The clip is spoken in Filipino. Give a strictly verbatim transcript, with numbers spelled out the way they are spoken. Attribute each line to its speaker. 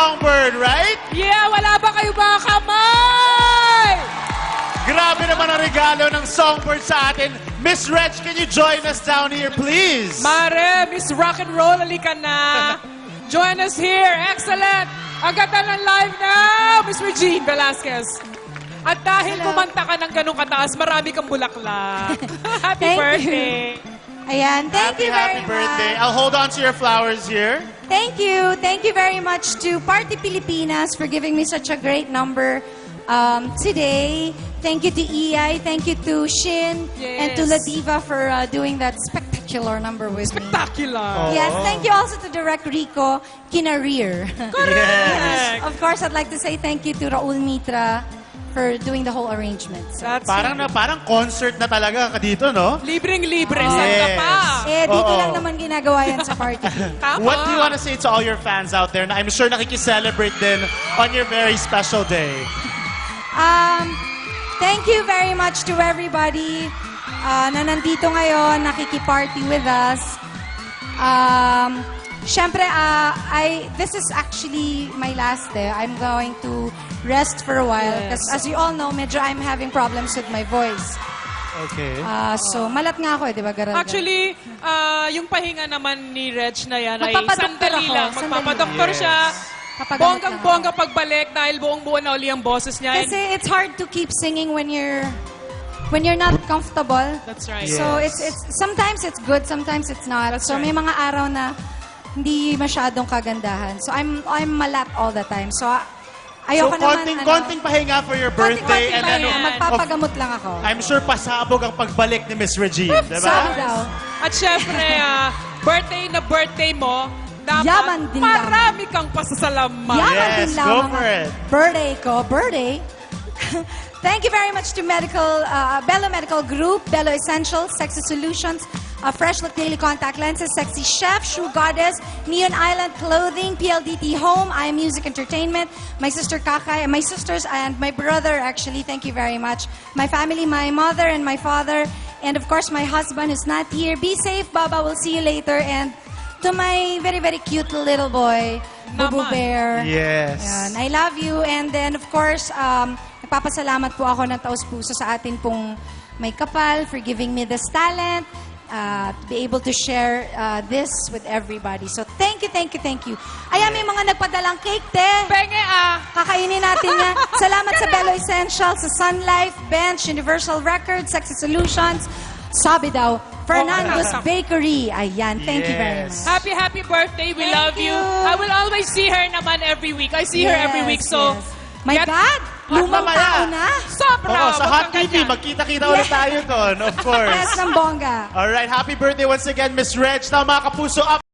Speaker 1: Songbird, right?
Speaker 2: Yeah, wala ba kayo mga kamay?
Speaker 1: Grabe naman ang regalo ng Songbird sa atin. Miss Reg, can you join us down here, please?
Speaker 2: Mare, Miss Rock and Roll, halika na. Join us here. Excellent. Agatan ng live now, Miss Regine Velasquez. At dahil
Speaker 3: Hello.
Speaker 2: kumanta ka ng ganong kataas, marami kang bulaklak. Happy
Speaker 3: Thank
Speaker 2: birthday.
Speaker 3: Ayan, thank
Speaker 1: happy,
Speaker 3: you very
Speaker 1: happy birthday.
Speaker 3: much.
Speaker 1: I'll hold on to your flowers here.
Speaker 3: Thank you. Thank you very much to Party Pilipinas for giving me such a great number um, today. Thank you to E I. Thank you to Shin and to
Speaker 2: Yes.
Speaker 3: Ladiva for uh, doing that spectacular number with me.
Speaker 2: Spectacular.
Speaker 3: Yes, thank you also to Direct Rico Kinarir.
Speaker 1: Yes.
Speaker 3: Of course, I'd like to say thank you to Raul Mitra for doing the whole arrangement. So,
Speaker 2: That's
Speaker 1: Parang na parang concert na talaga ka dito, no?
Speaker 2: libreng-libre.
Speaker 3: Oh.
Speaker 2: Saan ka
Speaker 1: Yes.
Speaker 2: pa?
Speaker 3: eh, dito
Speaker 1: Oo.
Speaker 3: lang naman ginagawa yan sa party.
Speaker 2: Tama.
Speaker 1: What do you want to say to all your fans out there na I'm sure nakikiselebrate din on your very special day?
Speaker 3: Um, thank you very much to everybody uh, na nandito ngayon, nakikiparty with us. Um, Siyempre, uh, I, this is actually my last day. I'm going to rest for a while
Speaker 2: Yes.
Speaker 3: because as you all know, medyo I'm having problems with my voice.
Speaker 1: Okay.
Speaker 3: Uh, so, malat nga ako eh, di ba, Garal?
Speaker 2: Actually, ah, yung pahinga naman ni Reg na yan ay
Speaker 3: Magpapadoktor
Speaker 2: sandali
Speaker 3: ako,
Speaker 2: lang.
Speaker 3: sandali
Speaker 2: Magpapadoktor
Speaker 1: lang.
Speaker 2: siya.
Speaker 1: Yes.
Speaker 3: Papagamot
Speaker 2: Bonggang-bongga
Speaker 3: lang
Speaker 2: pagbalik dahil buong-buo na uli ang boses niya.
Speaker 3: Kasi it's hard to keep singing when you're when you're not comfortable.
Speaker 2: That's right.
Speaker 1: Yeah.
Speaker 3: So
Speaker 1: Yes.
Speaker 3: it's it's sometimes it's good, sometimes it's not.
Speaker 2: That's
Speaker 3: so
Speaker 2: right.
Speaker 3: may mga araw na hindi masyadong kagandahan. So I'm I'm malat all the time. So
Speaker 1: So,
Speaker 3: ayoko naman
Speaker 1: konting,
Speaker 3: ano,
Speaker 1: konting pahinga for your birthday.
Speaker 2: konting
Speaker 1: and ano,
Speaker 2: pahinga.
Speaker 3: magpapagamot lang ako.
Speaker 1: I'm sure pasabog ang pagbalik ni Miss Regine, di
Speaker 3: Sabi
Speaker 1: ba?
Speaker 3: daw.
Speaker 2: At syempre, ah, birthday na birthday mo, dapat
Speaker 3: Yaman din lang.
Speaker 2: marami kang pasasalamat.
Speaker 3: Yaman
Speaker 1: Yes,
Speaker 3: din lang
Speaker 1: go
Speaker 3: mga
Speaker 1: for it.
Speaker 3: birthday ko. Birthday? Thank you very much to Medical, uh, Bello Medical Group, Bello Essentials, Sexy Solutions, uh, Fresh Look Daily Contact Lenses, Sexy Chef, Shoe Goddess, Neon Island Clothing, P L D T Home, I Am Music Entertainment, my sister Kakay, my sisters and my brother actually, thank you very much. My family, my mother and my father, and of course my husband who's not here. Be safe, Baba. We'll see you later. And to my very, very cute little boy, Bubu
Speaker 2: Naman.
Speaker 3: Bear.
Speaker 1: Yes.
Speaker 3: Yan, I love you. And then, of course, um, nagpapasalamat po ako ng taus-puso sa atin pong may kapal for giving me this talent, uh, to be able to share uh, this with everybody. So, thank you, thank you, thank you. Ayan, may mga nagpadalang cake, te.
Speaker 2: Penge ah!
Speaker 3: Kakainin natin yan. Salamat sa Bello Essentials, sa Sun Life, Bench, Universal Records, Sexy Solutions, sabi daw, Fernando's
Speaker 2: Oh,
Speaker 3: Bakery. Ayan, thank you very much.
Speaker 1: Yes.
Speaker 2: Happy, happy birthday. We
Speaker 3: Thank
Speaker 2: love you.
Speaker 3: you.
Speaker 2: I will always see her naman every week. I see her every week.
Speaker 3: Yes,
Speaker 2: So,
Speaker 3: yes. My
Speaker 2: get-
Speaker 3: God! Lumang
Speaker 1: mamaya.
Speaker 3: tao na!
Speaker 2: Sobra.
Speaker 1: Oo, sa
Speaker 2: Huwag
Speaker 1: Hot
Speaker 2: kang
Speaker 1: T V,
Speaker 2: ganyan.
Speaker 1: magkita-kita ulit
Speaker 3: Yes.
Speaker 1: tayo doon, of course.
Speaker 3: Yes, ng bongga.
Speaker 1: All right, happy birthday once again, Miss Reg. Now, mga kapuso, up